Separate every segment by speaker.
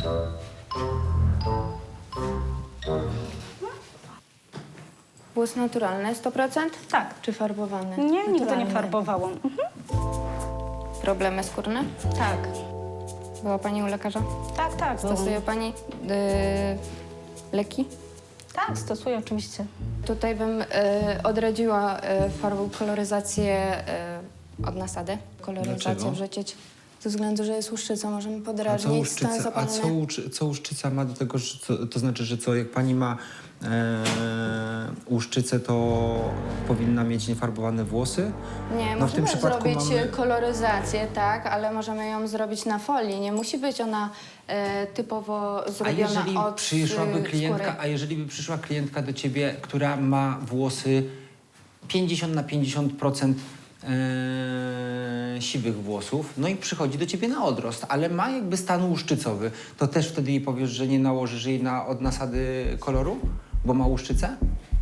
Speaker 1: Włos naturalny 100%?
Speaker 2: Tak.
Speaker 1: Czy farbowany?
Speaker 2: Nie, nigdy nie
Speaker 1: Naturalny.
Speaker 2: farbowałam.
Speaker 1: Problemy skórne?
Speaker 2: Tak.
Speaker 1: Była pani u lekarza?
Speaker 2: Tak.
Speaker 1: Stosuje pani leki?
Speaker 2: Tak, stosuję oczywiście.
Speaker 1: Tutaj bym odradziła farbą koloryzację od nasady. Koloryzację
Speaker 3: Dlaczego?
Speaker 1: wrzucić. Ze względu, że jest łuszczyca, możemy
Speaker 3: A co
Speaker 1: podrażnić,
Speaker 3: łuszczyca,
Speaker 1: stan zapalny.
Speaker 3: co łuszczyca ma do tego, że to znaczy, że co, jak pani ma łuszczycę, to powinna mieć niefarbowane włosy?
Speaker 1: Nie,
Speaker 3: No w tym
Speaker 1: możemy
Speaker 3: przypadku
Speaker 1: zrobić
Speaker 3: mamy-
Speaker 1: koloryzację, tak, ale możemy ją zrobić na folii. Nie musi być ona typowo zrobiona od skóry.
Speaker 3: A jeżeli by przyszła klientka do ciebie, która ma włosy 50 na 50% siwych włosów, no i przychodzi do ciebie na odrost, ale ma jakby stan łuszczycowy, to też wtedy jej powiesz, że nie nałożysz jej od nasady koloru, bo ma łuszczycę?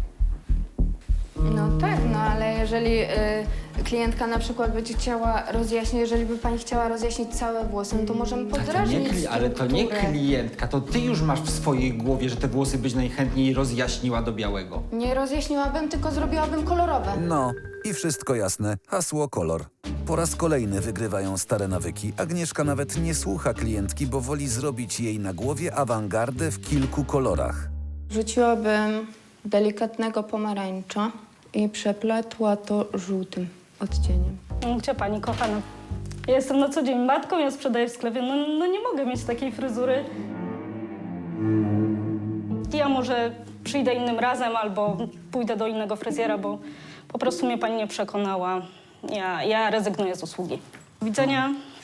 Speaker 1: No tak, no ale jeżeli klientka na przykład będzie chciała rozjaśnić, jeżeli by pani chciała rozjaśnić całe włosy, no to możemy podrażnić
Speaker 3: Ale to nie
Speaker 1: strukturę.
Speaker 3: klientka, to ty już masz w swojej głowie, że te włosy byś najchętniej rozjaśniła do białego.
Speaker 1: Nie rozjaśniłabym, tylko zrobiłabym kolorowe.
Speaker 4: No i wszystko jasne. Hasło kolor. Po raz kolejny wygrywają stare nawyki. Agnieszka nawet nie słucha klientki, bo woli zrobić jej na głowie awangardę w kilku kolorach.
Speaker 1: Wrzuciłabym delikatnego pomarańcza i przepletła to żółtym odcieniem.
Speaker 2: Gdzie pani kochana? Ja jestem na co dzień matką, ja sprzedaję w sklepie. No nie mogę mieć takiej fryzury. Ja może przyjdę innym razem albo pójdę do innego fryzjera, bo po prostu mnie pani nie przekonała. Ja rezygnuję z usługi. Do widzenia.